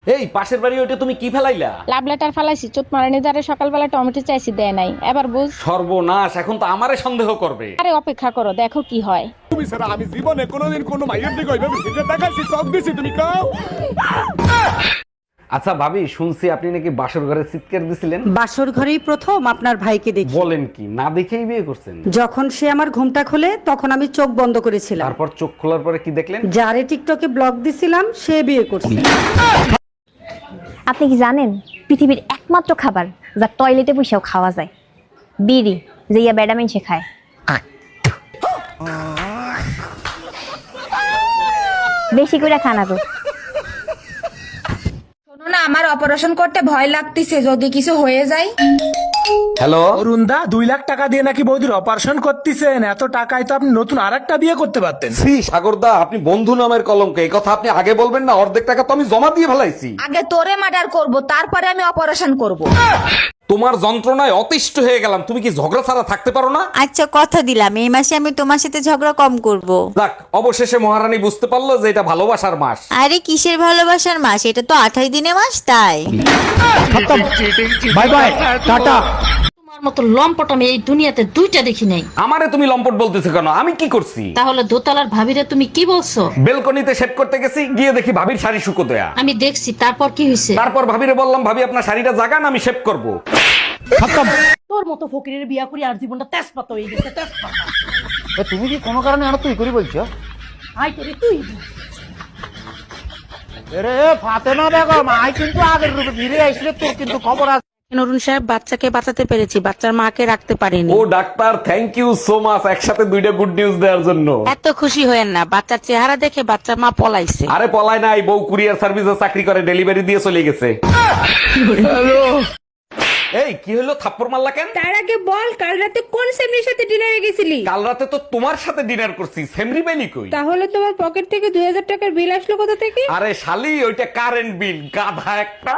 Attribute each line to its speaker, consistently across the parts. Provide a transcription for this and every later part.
Speaker 1: এই পাশের বাড়ি ওইটা তুমি কি ফেলাইলা?
Speaker 2: লাভ লেটার ফালাইছি, চোট মারানি দ্বারে সকালবেলা টমেটো চাইছি, দেয় নাই, এবার বুঝ।
Speaker 1: সর্বনাশ, এখন তো আমারে সন্দেহ করবে।
Speaker 2: আরে অপেক্ষা করো, দেখো কি হয়।
Speaker 3: তুমি ছাড়া আমি জীবনে কোনোদিন কোনো মাইয়ের দিকে ওইভাবে ফিরে তাকাইছি, চোখ দিছি, তুমি কাও।
Speaker 1: আচ্ছা ভাবি, শুনছি আপনি নাকি বাসর ঘরে চিৎকার দিছিলেন।
Speaker 4: বাসর ঘরেই প্রথম আপনার ভাইকে দেখি।
Speaker 1: বলেন কি, না দেখেই বিয়ে করছেন?
Speaker 4: যখন সে আমার ঘুমটা খোলে তখন আমি চোখ বন্ধ করেছিলাম।
Speaker 1: তারপর চোখ খোলার পরে কি দেখলেন?
Speaker 4: যারে টিকটকে ব্লগ দিছিলাম সে বিয়ে করছে।
Speaker 5: আপনি কি জানেন পৃথিবীর একমাত্র খাবার যা টয়লেটে বসেও খাওয়া যায়? বিড়ি, যে ইয়া বেডা মেনছে খায়। বেশি করে খানা তো।
Speaker 6: শোনো না, আমার অপারেশন করতে ভয় লাগতেছে, যদি কিছু হয়ে যায়।
Speaker 1: হ্যালো
Speaker 7: অরুণদা, 2 লাখ টাকা দিয়ে নাকি বৌদির অপারেশন করতেছেন? এত টাকায় তো আপনি নতুন আরেকটা বিয়ে করতে পারতেন।
Speaker 1: শ্রী সাগরদা, আপনি বন্ধু নামের কলঙ্ক, এই কথা আপনি আগে বলবেন না। অর্ধেক টাকা তো আমি জমা দিয়ে ফেলাইছি।
Speaker 6: আগে তোরে মার্ডার করব, তারপরে আমি অপারেশন করব।
Speaker 1: তোমার যন্ত্রণায় অতিষ্ঠ হয়ে গেলাম। তুমি কি ঝগড়া ছাড়া থাকতে পারো না?
Speaker 8: আচ্ছা, কথা দিলাম এই মাসে আমি তোমার সাথে ঝগড়া কম করব।
Speaker 1: যাক, অবশেষে মহারানী বুঝতে পারলো যে এটা ভালোবাসার মাস।
Speaker 8: আরে কিসের ভালোবাসার মাস, এটা তো 28 দিনের মাস, তাই।
Speaker 7: Bye bye, tata.
Speaker 9: তোমার মতো লম্পট আমি এই দুনিয়াতে দুইটা দেখি নাই।
Speaker 1: আমারে তুমি লম্পট বলতেছো কেন? আমি কি করছি?
Speaker 9: তাহলে দোতলার ভাবিরে তুমি কি বলছো?
Speaker 1: বেলকনিতে শেভ করতে গেছি, গিয়ে দেখি ভাবির শাড়ি শুকো দেয়া।
Speaker 9: আমি দেখছি, তারপর কি হয়েছে?
Speaker 1: তারপর ভাবিরে বললাম, ভাবি আপনার শাড়িটা জাগান, আমি শেভ করব।
Speaker 9: তোর মতো ফকিরের বিয়া করি আর জীবনটা তেজপাতা হয়ে গেছে, তেজপাতা।
Speaker 1: তুমি কি কোনো কারণে আর তুই করি বলছো?
Speaker 9: আই করে তুই
Speaker 7: রে ফাতেমা বেগম, আই কিন্তু আগের রূপে ফিরে আসলে তোর কিন্তু খবর আছে।
Speaker 4: অরুণ সাহেব, বাচ্চাকে বাঁচাতে পেরেছি, বাচ্চার মাকে রাখতে পারিনি।
Speaker 1: ও doctor, thank you so much, একসাথে দুইটা গুড নিউজ দেওয়ার জন্য।
Speaker 4: এত খুশি হয়েন না, বাচ্চার চেহারা দেখে বাচ্চার মা পলাইছে।
Speaker 1: আরে পলায় নাই, বউ কুরিয়ার সার্ভিসে চাকরি করে, ডেলিভারি দিয়ে চলে গেছে। এই কি হলো, থাপ্পড় মারলা কেন?
Speaker 2: তার আগে বল, কাল রাতে কোন সেমরির সাথে ডিনারে গেছিলি?
Speaker 1: কাল রাতে তো তোমার সাথে ডিনার করছি, সেমরি বেলি কই?
Speaker 2: তাহলে তোমার পকেট থেকে 2000 টাকার বিল আসলো কোথা থেকে?
Speaker 1: আরে শালি, ওইটা কারেন্ট বিল, গাধা একটা।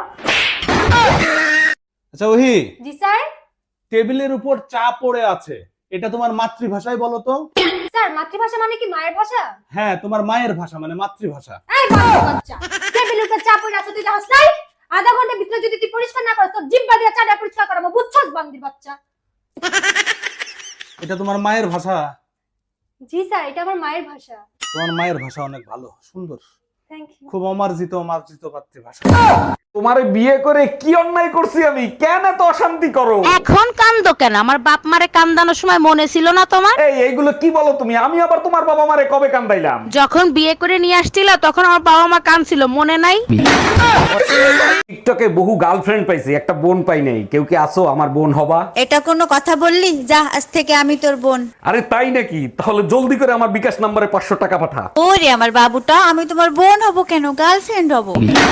Speaker 3: আচ্ছা ওহি,
Speaker 6: জি স্যার।
Speaker 3: টেবিলের উপর চা পড়ে আছে, এটা তোমার মাতৃভাষায় বলো তো।
Speaker 6: স্যার, মাতৃভাষা মানে কি মায়ের ভাষা?
Speaker 3: হ্যাঁ, তোমার মায়ের ভাষা মানে মাতৃভাষা।
Speaker 6: এই বাচ্চা, টেবিলের উপর চা পড়ে আছে, তুই দেখছ নাই? আধা ঘন্টার ভিতরে যদি তুই পরিষ্কার না করিস, তোর জিহ্বা দিয়ে চাটা পরিষ্কার করাবো, বুঝছস বান্দির বাচ্চা?
Speaker 3: এটা তোমার মায়ের ভাষা।
Speaker 6: জি স্যার, এটা আমার মায়ের ভাষা।
Speaker 3: তোমার মায়ের ভাষা অনেক ভালো, সুন্দর,
Speaker 6: থ্যাংক ইউ।
Speaker 3: খুব অমার্জিত মার্জিত মাতৃভাষা।
Speaker 1: তোমারে বিয়ে করে কি অন্যায় করছি আমি? কেন এত অশান্তি করো?
Speaker 4: এখন কান্দো কেন? আমার বাপ মারে কান্দানোর সময় মনে ছিল না তোমার?
Speaker 1: এইগুলো কি বলো তুমি? আমি আবার তোমার বাবা মারে কবে কান্দাইলাম?
Speaker 4: যখন বিয়ে করে নিয়ে আসছিল তখন আমার বাবা মা কাঁদছিল, মনে নাই?
Speaker 1: টিকটকে বহু গার্লফ্রেন্ড পাইছি, একটা বোন পাই নাই। কেউ কি আসো আমার বোন হবা?
Speaker 8: এটা কোনো কথা বললি? যা, আজ থেকে আমি তোর বোন।
Speaker 1: আরে তাই নাকি? তাহলে জলদি করে আমার বিকাশ নম্বরে 500 টাকা পাঠা।
Speaker 8: ওরে আমার বাবুটা, আমি তোমার বোন হব কেন, গার্লফ্রেন্ড হব।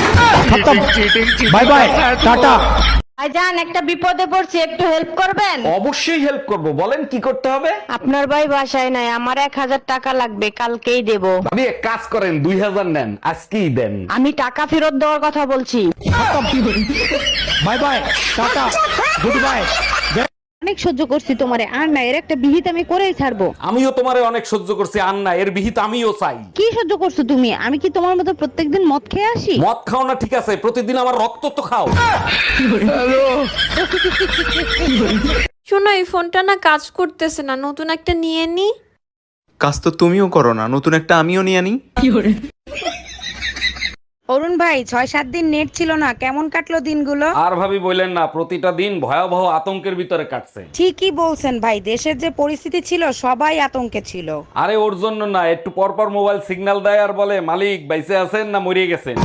Speaker 7: Bye bye, tata.
Speaker 2: ভাইজান, একটা বিপদে পড়ছি, একটু হেল্প করবেন?
Speaker 1: অবশ্যই হেল্প করব, বলেন কি করতে হবে?
Speaker 2: আপনার ভাই বাসায় নাই, আমার 1000 টাকা লাগবে, কালকেই দেব।
Speaker 1: ভাবি এক কাজ করেন, 2000 নেন, আজকেই দেন।
Speaker 2: আমি টাকা ফেরত দেওয়ার কথা বলছি।
Speaker 7: Bye bye, tata, goodbye.
Speaker 2: অনেক সহ্য করছি তোমারে, আর না, এর একটা বিহিত আমি করেই ছাড়বো।
Speaker 1: আমিও তোমারে অনেক সহ্য করছি, আর না, এর বিহিত আমিও চাই।
Speaker 2: কি সহ্য করছো তুমি? আমি কি তোমার মতো প্রত্যেকদিন মদ খেয়ে আসি?
Speaker 1: মদ খাও না ঠিক আছে, প্রতিদিন আমার রক্ত তো খাও।
Speaker 10: শোনো, এই ফোনটা না কাজ করতেছে না, নতুন একটা নিয়ে নি।
Speaker 11: কাজ তো তুমিও করো না, নতুন একটা আমিও নিয়ে আনি।
Speaker 4: অরুণ ভাই, 6-7 দিন নেট ছিল না, কেমন কাটলো দিনগুলো?
Speaker 1: আর ভাবি বললেন না, প্রতিটা দিন ভয়াবহ আতঙ্কের ভিতরে কাটছে।
Speaker 4: ঠিকই বলছেন ভাই, দেশের যে পরিস্থিতি ছিল সবাই আতঙ্কে ছিল।
Speaker 1: আরে ওর জন্য না, একটু পর পর মোবাইল সিগন্যাল দেয় আর বলে, মালিক বাইসে আছেন না মরিয়ে গেছেন।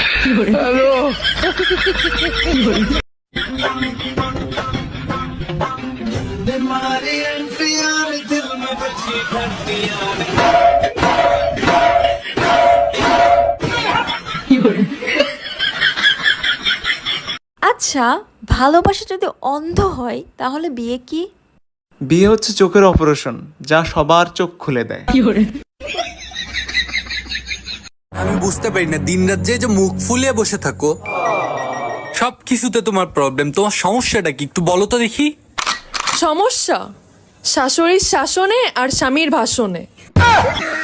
Speaker 10: আচ্ছা, ভালোবাসা যদি অন্ধ হয় তাহলে বিয়ে কি?
Speaker 11: বিয়ে হচ্ছে চোখের অপারেশন, যা সবার চোখ খুলে দেয়।
Speaker 12: আমি বুঝতে পারি না, দিনরাত যে মুখ ফুলিয়ে বসে থাকো, সবকিছুতে তোমার প্রবলেম। তোমার সমস্যাটা কি একটু বলো তো দেখি।
Speaker 10: সমস্যা শাশুড়ির শাসনে আর স্বামীর ভাষণে।